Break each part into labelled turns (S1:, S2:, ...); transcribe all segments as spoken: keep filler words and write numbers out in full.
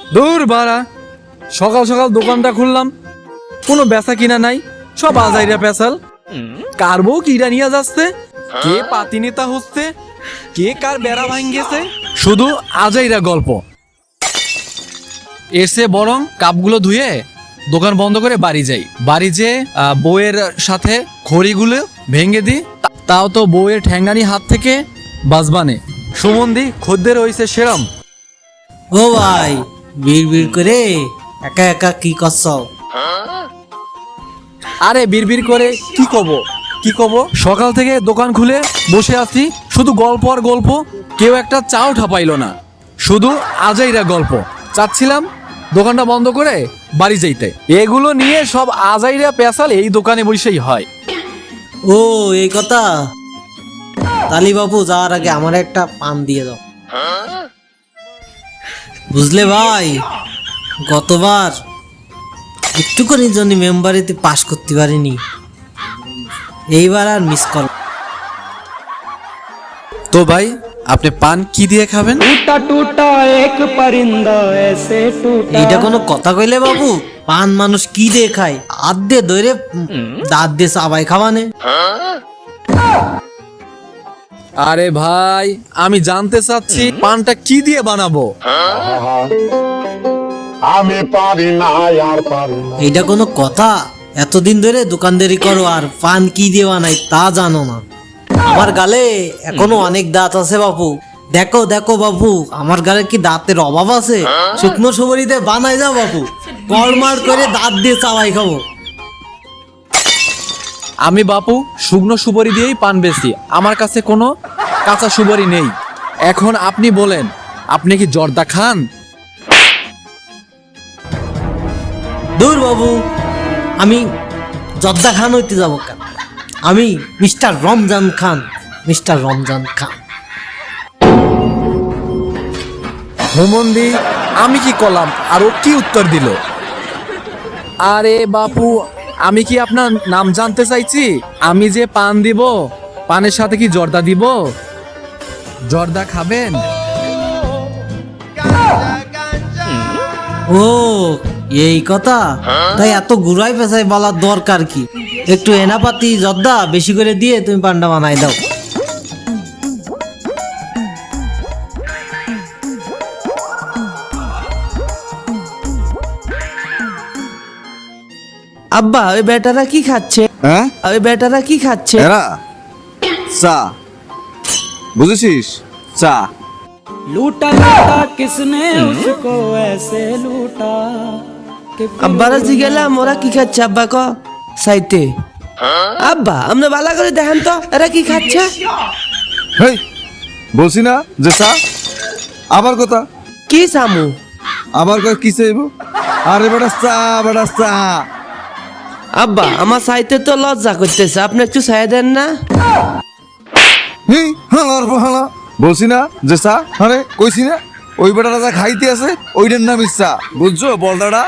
S1: দূর বাড়া, সকাল সকাল দোকানটা খুললাম, কোনো বেচা কিনা নাই, সব আজাইরা পেশাল। কার বউ কিরা নিয়ে যাচ্ছে, কে পাতি নেতা হচ্ছে, কে কার বেড়া ভাঙ্গেছে, শুধু আজাইরা গল্প। এসে বরং কাপগুলো ধুয়ে দোকান বন্ধ করে বাড়ি যাই। বাড়ি যেয়ে বউয়ের সাথে খড়িগুলো ভেঙে দিই, তাও তো বউয়ের ঠ্যাঙ্গানি হাত থেকে বাজবানে। সুমন্দি খদ্দের হইছে সেরম।
S2: ও ভাই, বিড় বিড় করে একা একা কি করছ?
S1: আরে বিড়বিড় করে কি কব কি কব সকাল থেকে দোকান খুলে বসে আছি, শুধু গল্প আর গল্প। কেউ একটা চাও ঠাপাইলো না, শুধু আজাইরা গল্প। চাচ্ছিলাম দোকানটা বন্ধ করে বাড়ি যাইতে। এগুলো নিয়ে সব আজাইরা পেশাল এই দোকানে বসেই হয়।
S2: ও এই কথা। তালি বাবু, যাওয়ার আগে আমার একটা পান দিয়ে দাও। বুঝলে ভাই, গতবার একটুখানি জন্য মেম্বারিতে পাশ করতে পারিনি, এইবার আর মিস কর।
S1: তো ভাই, আপনি পান কি দিয়ে খাবেন?
S3: टूटा टूटा एक परिंदा ऐसे टूटा।
S2: এইটা কোনো কথা কইলে বাবু? পান মানুষ কি দিয়ে খায়? হাত দিয়ে ধরে দাঁত দিয়ে চাবাই খাওয়ানে।
S1: আরে ভাই, আমি জানতে চাচ্ছি পানটা কি দিয়ে বানাবো।
S4: আমি পারি না আর পারি না।
S2: এইটা কোনো কথা? এতদিন ধরে দোকানদারি করো আর পান কি দিয়ে বানাই তা জানো না? আমার গালে এখনো অনেক দাঁত আছে বাবু। দেখো দেখো বাবু, আমার গালে কি দাঁতের অভাব আছে? শুকনো সুপারিতে বানাই যাও বাবু, কড়মার করে দাঁত দিয়ে চাবাই খাবো।
S1: আমি বাপু শুকনো সুপারি দিয়েই পান বেচি, আমার কাছে কোনো কাঁচা সুপারি নেই। এখন আপনি বলেন, আপনি কি জর্দা খান?
S2: দূর বাবু, আমি জর্দা খান হইতে যাবো কেন? আমি মিস্টার রমজান খান, মিস্টার রমজান খান।
S1: হুমন্দি আমি কি করলাম আর ও কি উত্তর দিল? আরে বাপু, আমি কি আপনার নাম জানতে চাইছি? আমি যে পান দিব, পানের সাথে কি জর্দা দিব? জর্দা খাবেন?
S2: ও এই কথা। তাই এত ঘুরাই পেঁচাই বলার দরকার কি? একটু এনাপাতি জর্দা বেশি করে দিয়ে তুমি পান্ডা বানাই দাও। আব্বা, ওই বেটারা কি খাচ্ছে?
S5: হ্যাঁ,
S2: ওই বেটারা কি খাচ্ছে?
S5: এরা চা, বুঝেছিস? চা।
S3: लूटा लूटा किसने उसको ऐसे लूटा कि फिर
S2: আব্বারা জি গেলাম, ওরা কি খাচ্ছে আব্বা ক সাইতে? আব্বা আপনি ভালো করে দেখেন তো এরা কি খাচ্ছে।
S5: হেই, বলছি না যে চা। আবার কথা,
S2: কি সামু?
S5: আবার কয় কি চাইব? আরে বেটা চা, বেটা চা।
S2: আব্বা আমার সাইতে তো লজ্জা করতেছে, আপনি একটু চাই দেন না?
S5: হি হালার হালা, বলছি না যে চা। আরে কইছি না, ওই বেটাটা যা খাইতে আছে ওইটার নাম চা, বুঝছো বলদাটা?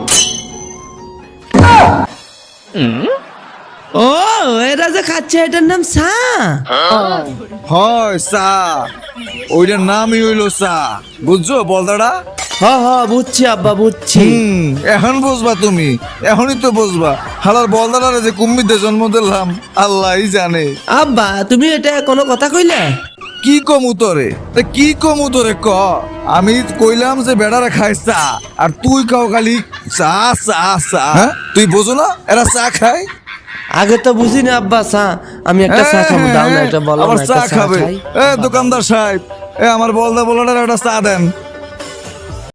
S2: ও এরা যে খাচ্ছে এটার নাম চা?
S5: হয় চা, ওইটার নামই হইলো চা, বুঝছো বলদাটা?
S2: হ হ বুঝছি আব্বা, বুঝছি।
S5: হুম, এখন বুঝবা তুমি, এখনই তো বুঝবা। হালার বলদাটারে যে কুম্মিতে জন্ম দিলাম আল্লাহই জানে।
S2: আব্বা তুমি এটা কোনো কথা কইলে?
S5: কি কম উতরে, তা কি কম উতরে ক? আমি কইলাম যে বেড়ারা খায় চা, আর তুই কাও খালি চা চা চা। হ্যাঁ, তুই বোঝো না এরা চা খায়?
S2: আগে তো বুঝি না আব্বা চা। আমি একটা চা খাবো, দাও না এটা বলো
S5: আবার
S2: না,
S5: চা
S2: একটা চা
S5: খাবে?
S2: খাই।
S5: এ দোকানদার সাহেব, এ আমার বলদা বলাটার একটা চা দেন।